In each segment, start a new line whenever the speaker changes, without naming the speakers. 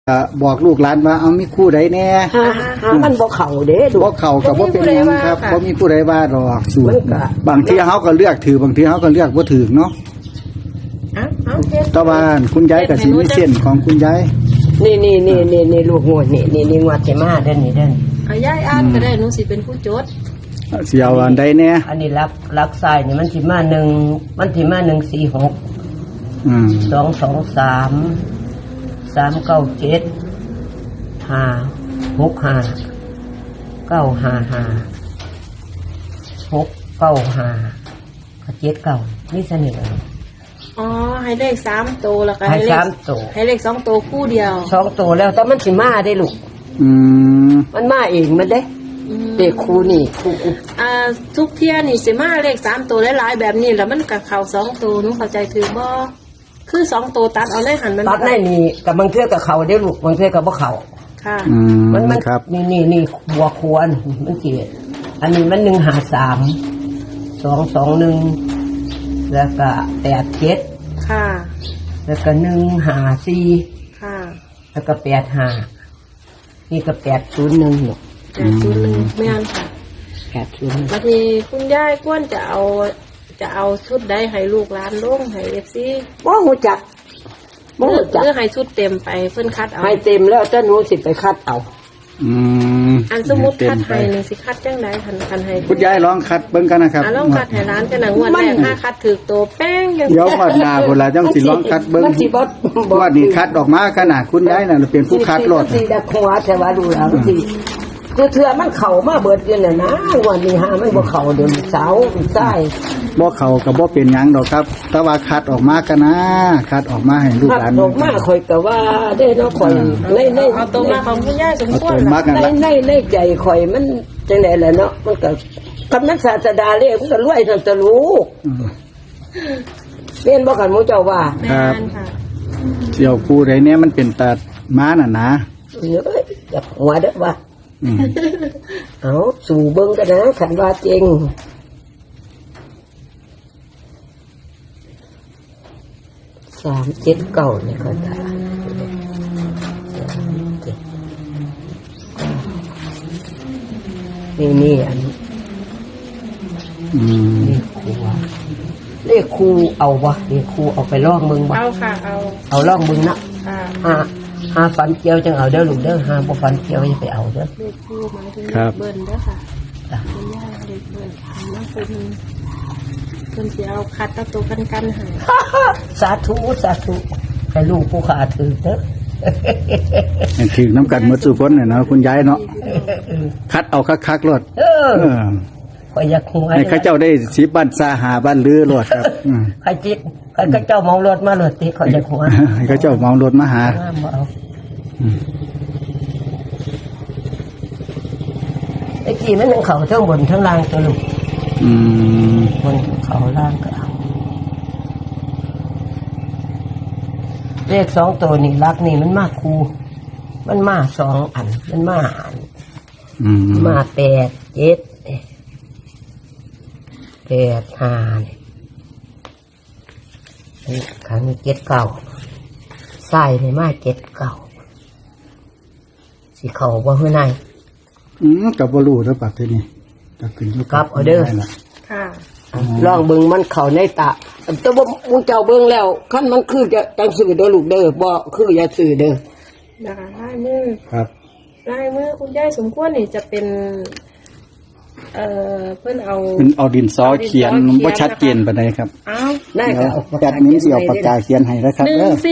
บอกลูกหลานว่าเอามีคู่ใดแน่
หามันบ่เข้าเด้
บ่เข้ากับบ่เป็นหยังครับบ่มีผู้ใดว่าดอกสูตรบางทีเฮาก็เลือกถือบางทีเฮาก็เลือกบ่ถือเนาะตะวันคุณยายก็สิมีเส้นของคุณยาย
นี่ลูกงวดนี่งวดสิมาเด้อนี่เด้อย
ายอ่านก็ได้หนูสิเป็นผู้จด
สิเอาอันใดแน่
อันนี้รักซ้ายนี่มันสิมา1มันสิมา146 223 397 565 955 695 79นี่สนิทเลย
อ๋อให้เลข3ตัวแล้วก็
ให้3ตัว
ให้เลข2ตัวคู่เดียว
2ตัวแล้วแต่มันสิมาได้ลูกมันมาเองมันเด้เด็กครูนี่ครู
ทุกเที่ยนี่สิมาเลข3ตัวหลายๆแบบนี้แล้วมันก็เข้า2ตัวหนูเข้าใจถือบ่คือ2ตัวตัดเอาได้หันมัน
ตัดได้นี่กับบางเทื่อกับเขาได้ลูกบางเทื่อกับบ่เขา
ค่ะ
มัน
ครับ
นี่บัวควรมันเกลียดอันนี้มัน153 221แล้วก็87
ค่ะ
แล้วก็154
ค่ะ
แล้วก็85นี่ก็801ลูก
801แม่นค่ะ801บัดนี้คุณยายควรจะเอาชุดใดให้ลูกหลานลงให้ FC
บ่ฮู้จัก
หรือให้ชุดเต็มไปเพิ่นคัดเอา
ให้เต็มแล้วแต่หนูสิไปคัดเอา
อันสมมุติคัดให้นี่สิคัดจังได๋คันให้
คุณยายลองคัดเบิ่งกันนะครับ
ลองคัดให้ร้านกันน่ะงวดแรกถ้าคัดถูกตัวแป้งจัง
เดี๋ยวฮอดหน้าพุ่นล่ะจังสิลองคัดเบิ่งว่านี่คัดออกมาขนาดคุณยายน่ะเป็นผู้คัดรถ
สิดักหัวแต่ว่าดูแล้วสิคือเทื่อมันเข้ามาเบิดอยู่น่ะนะวันนี้หามันบ่เข้าเดี๋ยวเสาใต้
บ่เข้าก็บ่เป็นหยังดอกครับแต่ว่าคัดออกมากันนะคัดออกมาให้ลูกหลาน
ออกมาข่อยก็ว่าได้เนาะข่อยใน
เอาตรงมาของคุณยายสมควร
ในใจข่อยมันจังได๋ล่ะเนาะมันก็กำนักศาสดาเรียกมันก็รวยซั่นตะลูกเรียนบ่กันหมู่เจ้าว่า
ครับเสี่ยวคู่ใดเนี่ยมันเป็นตาม้าน่ะนะ
เอ้ยอยากหัวเด้อว่าเอาสู่เบิ่งกันนะขันว่าจริง379นี่ก็ได้นี่อันเลขครูเอาวะเลขครูเอาไปลองมึงวะ
เอาค่ะ
เอาลองมึงนะหาฟันเกียวจังเอาเด้อลูกเด้อหาบ่ฟันเกียวอย่าไปเอาเด้อ
เลขครูหมายถึงเบิ้ลเด้อค่ะคุณย่าเลขเบิ้ลน้องคุณเพิ่นสิเอาคัดตะตัวกันให้
สาธุให้ลูกผู้ขาถือเด้อ
ถือน้ำกัดหมดสุพจน์เนี่ยนะคุณยายเนาะคัดเอาคักๆรถ
ข่อยอยากหัว
ให้ข้าเจ้าได้สิบ้านซาหาบ้านลือรถครับ
ใครจิตข้าเจ้าเมารถมาเลยติข่อยอยากหัว
ให้ข้าเจ้าเมารถมาหา
ไอ้กี่มันทั้งเขาทั้งบนทั้งล่างตัวลูกบนเขาล่างก็เอาเลข2ตัวนี่รักนี่มันมากคูมันมา2อันมันมามา8 7 8 5นี่ขัน7 9ใส่ในมา7 9สิเขาบ่เฮือใน
กับบลูแล้วปัดที่นี่ก็ขึ้นอยู่
กับออเดอร์
ค่ะ
ลองเบิ่งมันเข้าในตาแต่ว่ามึงเจ้าเบิ่งแล้วคันมันคือจะจังสื่อเด้อลูกเด้อบ่คืออย่าสื่อเด้อ
นะคะลายมือ
ครับ
ลายมือคุณยายสมควรนี่จะเป็นเพิ่นเอา
ดินสอเขียนบ่ชัดเจนปานใดครับ
ได้ครับ
จัดนี้สิเอาปากกาเขียนให้แล้วครับ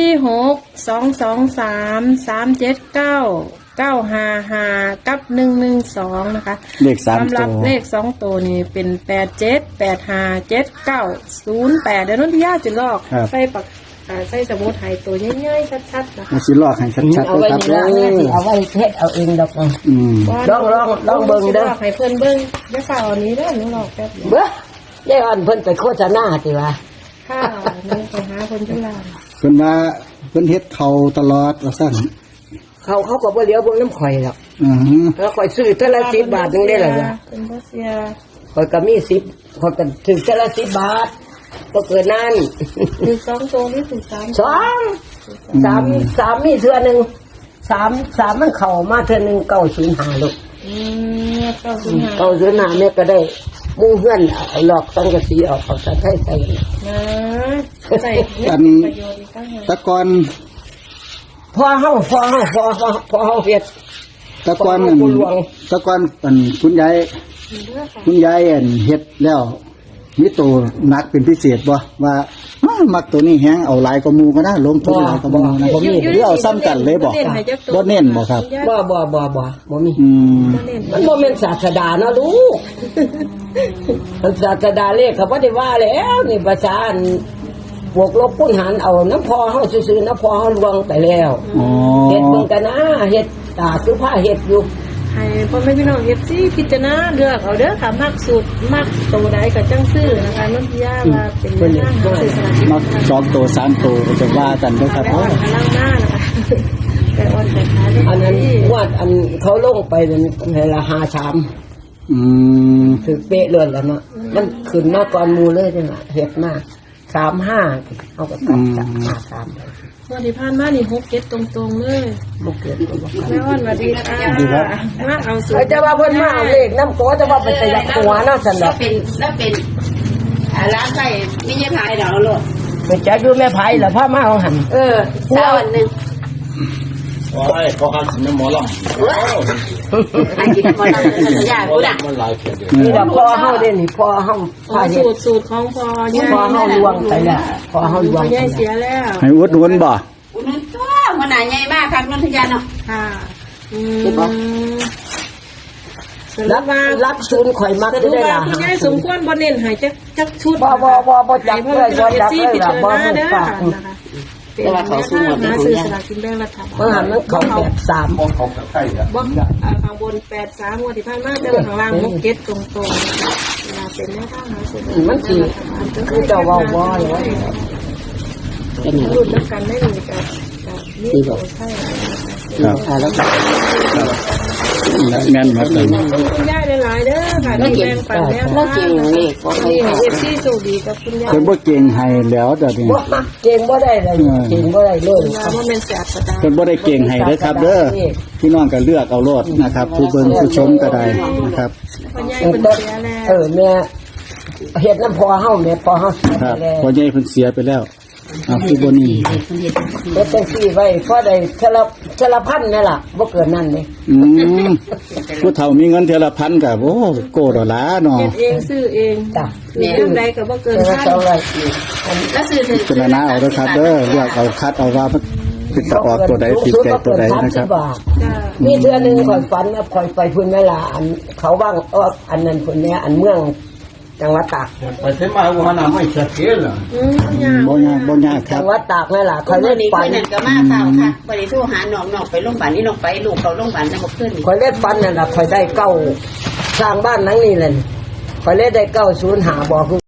146 223 379 955กับ112นะคะ
เลข3ตัว
สำหรับเลข2ตัวนี่เป็น87 85 79 08เดี๋ยวน้องที่ย่าจะลอกใส่ปากใส่สมุดไทยตัวง่ายๆชัดๆนะคะ
สิลอกให้ชัดๆครับ
เอาไว้เฮ็ดเอาเองดอกลองเบิ่งเด้อ
ให้เพิ่นเบิ่งอย่าฝ่าอันนี้เด้อหนูลอกแป๊บ
เบ้อยายอ่อนเพิ่นไปโฆษณาติว่า
ค่ะนึงไปหาเพิ่นจังล่ะ
เพิ่นว่าเพิ่นเฮ็ดเขาตลอดว่าซั่น
เขาก็บ่เหลียวเบิ่งน้ำข่อยหรอกแล้วข่อยซื้อแต่ละ10 บาทนึงได้ล่ะ
เป็นบ่เสีย
ข่อยก็มี10ข่อยก็ถึงแต่ละ10 บาทก็เกินนั้น
มี2ตัวนี่ถึง3
2 3มีเทื่อนึง 3มันเข้ามาเทื่อนึง905ลูก
905
905แม่ก็ได้หมู่เฮือนเอาหลอกสังกะสีออกเอาสันให้ใส่
นะใส่ประโยชน์อีกตั้งหาก
ตะกอน
พอเฮาเฮ็ด
ตะกอนตะกอนคุณยายเฮ็ดแล้วมีตัวนักเป็นพิเศษบ่ว่ามักตัวนี้แฮงเอาหลายกว่าหมู่ก็ได้ลงทุนหลายกว่าหมู่นะบ่มีหรือเอาซ้ำกันเลยบ่บ่เน้นบ่ครับ
บ่มี มันบ่แม่นศาสดาเนาะลูกมันศาสดาเลขเขาบ่ได้ว่าแล้วนี่ภาษาอันบวกลบคูณหารเอาน้ำพอเฮาซื่อๆน้ำพอเฮาลวงไปแล้ว
อ๋อ
เฮ็ดเบิ่งกันนะเฮ็ดคือผ้าเฮ็ดอยู่
ให้พ่อแม่พี่น้องเอฟซีพิจารณาเลือกเอาเด้อค่ะมักสุดมักตัวใดก็จังซื้อนะคะนนทิยาว่าเป็นหน้าหาซื้อสลากกินแบ่ง
มัก2ตัว3ตัวก็จะว่ากันเด้อครับ
แต่อ่อนกำลังหน้านะคะแต่อ่อนแต่ขาได้
อันนั้นวาดอันเขาลงไปนั่นให้ละ5-3 คือเป๊ะเลยแล้วเนาะมันขึ้นมาก่อนหมู่เลยจังล่ะเฮ็ดมา35เอาก็ตัดจาก53
วันที่ผ่านมานี่6-7ตรงๆเลย
บ่เกิดบ่
แม่อ่อนสวัสดีค่ะมาเอาสูตร
จะว่าเพิ่นมาเอาเลขน้ำโกจะว่าเป็นตะยักหัวเนาะซั่น
แล้
ดอ
ว
ก
เป็นร้านไก่ไม่ใช่พายดอกโลด
ไปจักอยู่แม่ไผล่ะพามาเอาหั่น
เช้าวันหนึ่ง
โอ้ยเขาหันสิหมอลำ
ไอ้กินหมดแล้วสัญญากูด่ะ
มันหลายเพียงเดียว
นี่ดอกพอเฮาเด้นี่พอเฮาพาเฮ็ด
สูตรของพ่อย่า
พอเฮาลวงไปแล้วพอเฮาลวง
พ่อย่าเสียแล้ว
ให้อุดหนุนบ่
อุ้นตัวมันหนาใหญ่มากครับนนทยาเนาะ
ค่ะ
รับศูนย์ข่อยมัก
แต่
ได้
ดูว่า
ล่ะ
คุณยายสมควรบ่เน้นให้จักชุด
บ่จักเลยบ่จักเลยล่ะบ่
ให้
ฮู้
เด้อ
ปาก
นะคะเป็นแม่ค้าหาซื้อสลากกินแบ่งรัฐบาล
เมื่อหันมันเข้า83
มองเขาใกล้ๆอ่ะ
บ่ข้างบน83งวดที่ผ่านมาแต่ว่าข้างล่าง67ตรงๆเวลาเป็นแม่ค้าหาซื้อ
มันสิคือเจ้าเว้าบ่เลย
รุ่นนักกันได้มีกับนี่บ่ใช่
ครับ
แล้วก็
แม่นครับ
คุณยายหลายๆเด้อค่ะที่แบ่งปันแนวทางนี่เอฟซีโชคดีกับคุณยาย
เพิ่นบ่เก่งให้แล้วเดี๋ยวนี้
บ่เก่งบ่ได้เลยเก่งบ่ได้เลย
ว่าบ่แม่นแสบกระดาษ
เพิ่นบ่ได้เก่งให้เด้อครับเด้อพี่น้องก็เลือกเอาโลดนะครับ ผู้เบิ่งผู้ชมก็ได้นะครับ
คุณยายเพิ่นเสียแล้ว
แม่เฮ็ดน้ำพอเฮาแม่พอเฮา
ครับ
แล้ว
พอใหญ่เพิ่นเสียไปแล้วผู้บ่นี่
เฮ็ดจังซี่ไว้พอได้ชละพันนี่ล่ะบ่เกินนั้นนี่
ผู้เฒ่ามีเงินเทอละพันก็โอ้โกดเอาหลาเนาะ
เฮ็ดเองซื้อเอง
จ้ะ
มีเรื่องใดก็บ่เกิน
เท่า
พัน
ไหร่
แล้วซื้อถึง
พิจารณาเอาเด้อครับเด้อเลือกเอาคัดเอาว่ามันเป็นตะออกตัวใดติดใจตัวใดนะครับ
จ้า
มีเทื่อนึงข่อยฝันว่าข่อยไปพุ่นแม่ล่ะอันเขาว่างอันนั้นพุ่นแม่อันเมืองจังหวัดตาก
ไปเส้นมาว่าน้ำไม่ชัดเจนเหรอ
บ่ยากค
จั
รับ
งหวัดตากแม่ล่ะ
ค
ข่อย
น
เล่น
นี้
ฝั
คน นนั้นก็มาเฝ้าค่ะบริโทรหาน้องไปโรงพยาบาลนี่น้องไปลูกเขาโรงพยาบาลจะมาขึ้น
ข่อยเล่นฝันนั่นล่ะข่อยได้เก้าสร้างบ้านหลังนี้เลยข่อยเล่นได้905บ่คือ